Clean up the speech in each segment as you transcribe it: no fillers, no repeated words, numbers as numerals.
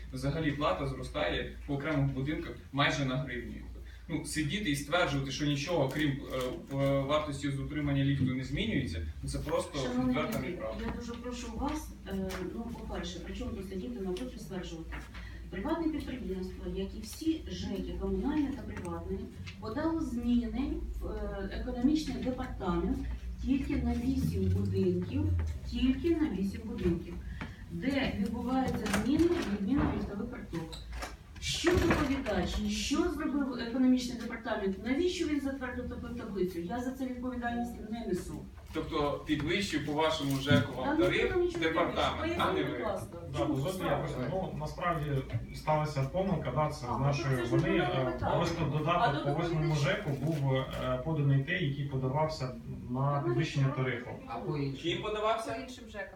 взагалі плата зростає по окремих будинках майже на гривню. Ну, сидіти і стверджувати, що нічого, крім вартості з утримання ліфту, не змінюється, це просто відверта неправда. Я дуже прошу вас, по-перше, при чому тут сидіти, навпаки, стверджувати. Приватне підприємство, як і всі ЖЕКи, комунальні та приватні, подало зміни в економічний департамент тільки на 8 будинків, де відбуваються зміни відміни ліфтових карток. Що доповідач, що зробив економічний департамент, навіщо він затвердив таку таблицю? Я за це відповідальність не несу. Тобто підвищив по вашому ЖЕКу вам тариф департамент, а не ви. Насправді сталася помилка, це з нашої вини. Просто додаток по 8-му ЖЕКу був поданий той, який подавався на підвищення тарифу. Ким подавався? По іншим ЖЕКам.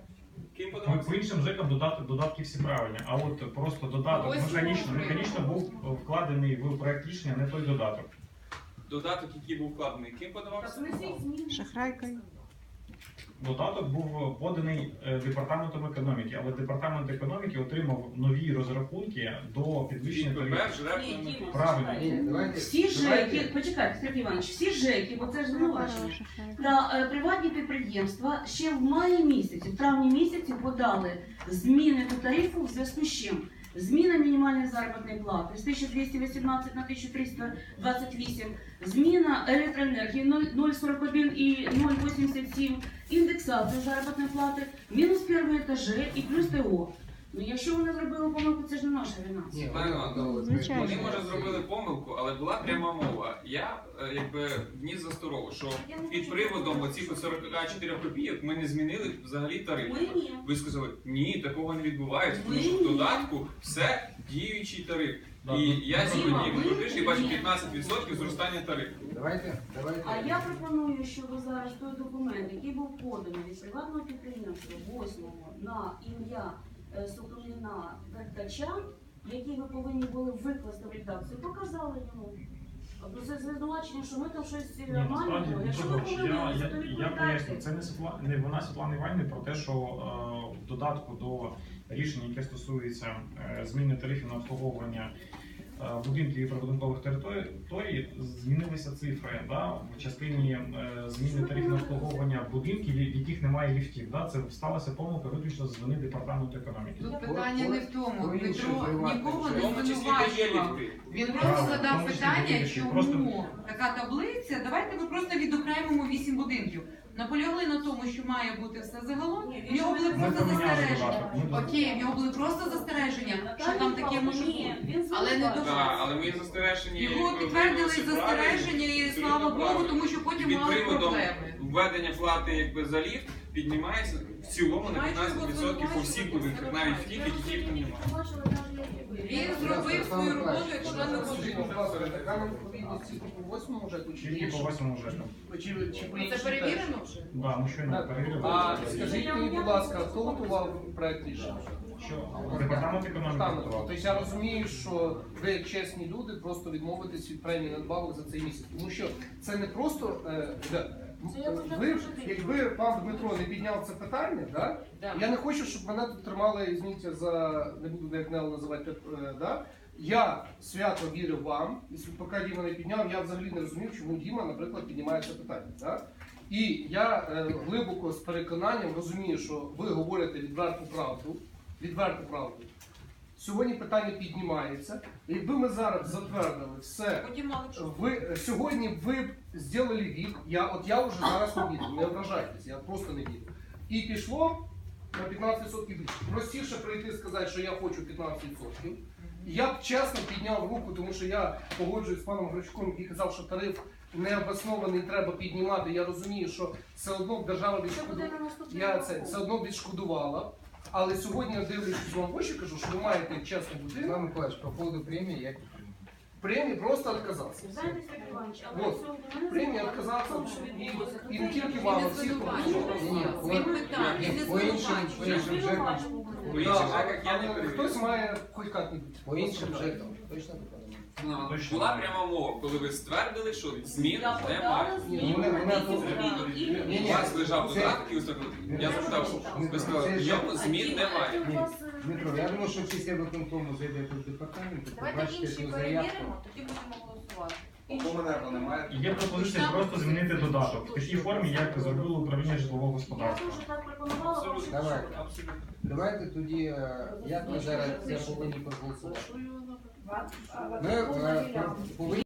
По іншим ЖЕКам додатки всі правильні, а от просто додаток механічно був вкладений в проект рішення, не той додаток. Додаток, який був вкладений, ким подавався? Шахрайкою. Додаток був поданий департаментом економіки, але департамент економіки отримав нові розрахунки до підвищення тарифів. Правильно. Всі ЖЕКи, почекайте, Сергій Іванович, всі ЖЕКи, бо це ж звинувачення, та приватні підприємства ще в маї місяці, в травні місяці подали зміни до тарифу в зв'язку з чим? Зміна мінімальної заробітної плати з 1218 на 1328, зміна електроенергії 0,41 і 0,87, індексація заробітної плати, мінус перші етажі і плюс ТО. Ну, якщо вони зробили помилку, це ж не наша вина. Вони, може, зробили помилку, але була пряма мова. Я, вніс за старого, що під приводом оцих 44 копійок ми не змінили взагалі тариф. Ви сказали, ні, такого не відбувається, тому що в додатку все діючий тариф. І я сьогодні і бачу 15% зростання тарифу. А я пропоную, щоб зараз той документ, який був поданий від приватного підприємства 8-го на ім'я Соколіна Вертача, який ви повинні були викласти в редакцію, показали йому. Це звинувачення, що ми там щось маємо. Якщо ви помилилися, то я поясню, це не вона Світлани Іванівни про те, що в додатку до рішення, яке стосується зміни тарифів на обслуговування будинків і прибудинкових територій, змінилися цифри в частині зміни тарифів на обслуговування будинків, в яких немає ліфтів. Це сталася помилка виключно з вини департаменту економіки. Тут питання не в тому, Дмитро нікого не звинувачував. Він просто задав питання, чому така таблиця, давайте ми просто відокремимо 8 будинків. Наполягли на тому, що має бути все загалом, в нього були просто застереження. Окей, в нього були просто застереження, що там таке може бути. Але не до вас. Але ми застереження... Його підтвердили застереження і слава Богу, тому що потім мали проблеми. Введення плати за ліфт піднімається в цілому на 15% по всіх будинках, навіть в тих, яких ліфту немає. Він зробив свою роботу, якщо не Скажіть, будь ласка, така необхідність тільки по 8-му ЖЕКу чи Тільки по 8-му ЖЕКу. Чи по це іншим перевірено вже? Так, ми щойно перевірили. А скажіть мені, будь ласка, хто готував проект рішення? Що? Департамент економіки готував. Тобто я розумію, що ви, як чесні люди, просто відмовитесь від премії надбавок за цей місяць. Тому що це не просто... Ви, якби пан Дмитро не підняв це питання, я не хочу, щоб мене тут тримали, извините, не буду як Нел називати, я свято вірив вам, і поки Діма не підняв, я взагалі не розумів, чому Діма, наприклад, піднімає це питання. І я глибоко з переконанням розумію, що ви говорите відверту правду. Сьогодні питання піднімається. Якби ми зараз затвердили все, сьогодні ви б зробили від, я вже зараз не вірю, не ображайтесь, я просто не вірю. І пішло на 15% більше. Простіше прийти і сказати, що я хочу 15%. Я б чесно підняв руку, тому що я погоджуюсь з паном Гречком, який казав, що тариф необоснований, треба піднімати. Я розумію, що все одно держава відшкодувала. Але сьогодні я дивлюсь вам в очі, кажу, що ви маєте чесну будинок. Иван Николаевич, по поводу премии я... Премії просто відказатися. Премії відказатися і не тільки вам, а всіх. Він питав, він не звинувачував. По інших ЖЕКах я не перевірю. Хтось має хоч як-небудь. По іншим ЖЕКам, точно? Була пряма мова, коли ви ствердили, що змін немає. У вас лежав додаток і ви сказали, я запитав, ви сказали, в ньому змін немає. Дмитро, я думаю, що після виконкому зайдете в департамент, Давайте побачите інші цю заявку. перевіримо, тоді будемо голосувати. Є пропозиція просто змінити додаток в такій формі, як зробило управління житлового Я господарства. дуже так пропонувала, Абсолютно. Давай. Абсолютно. Давайте тоді, як ми зараз це повинні проголосувати. Ми повинні